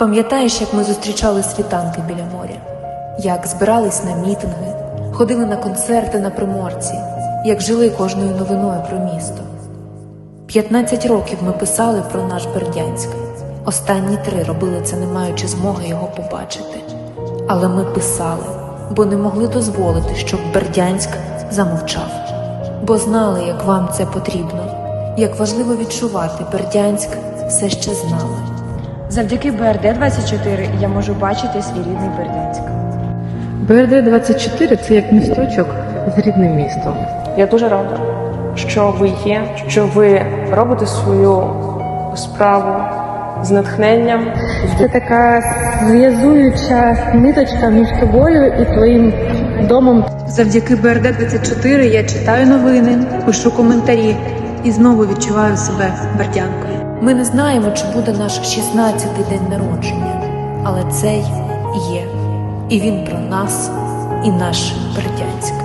Пам'ятаєш, як ми зустрічали світанки біля моря? Як збирались на мітинги, ходили на концерти на Приморці, як жили кожною новиною про місто. 15 років ми писали про наш Бердянськ. Останні 3 робили це, не маючи змоги його побачити. Але ми писали, бо не могли дозволити, щоб Бердянськ замовчав. Бо знали, як вам це потрібно, як важливо відчувати Бердянськ все ще з нами. Завдяки БРД-24 я можу бачити свій рідний Бердянськ. БРД-24 – це як місточок з рідним містом. Я дуже рада, що ви є, що ви робите свою справу з натхненням. Це така зв'язуюча ниточка між тобою і твоїм домом. Завдяки БРД-24 я читаю новини, пишу коментарі і знову відчуваю себе бердянкою. Ми не знаємо, чи буде наш 16-й день народження, але цей є. І він про нас, і наш Бердянськ.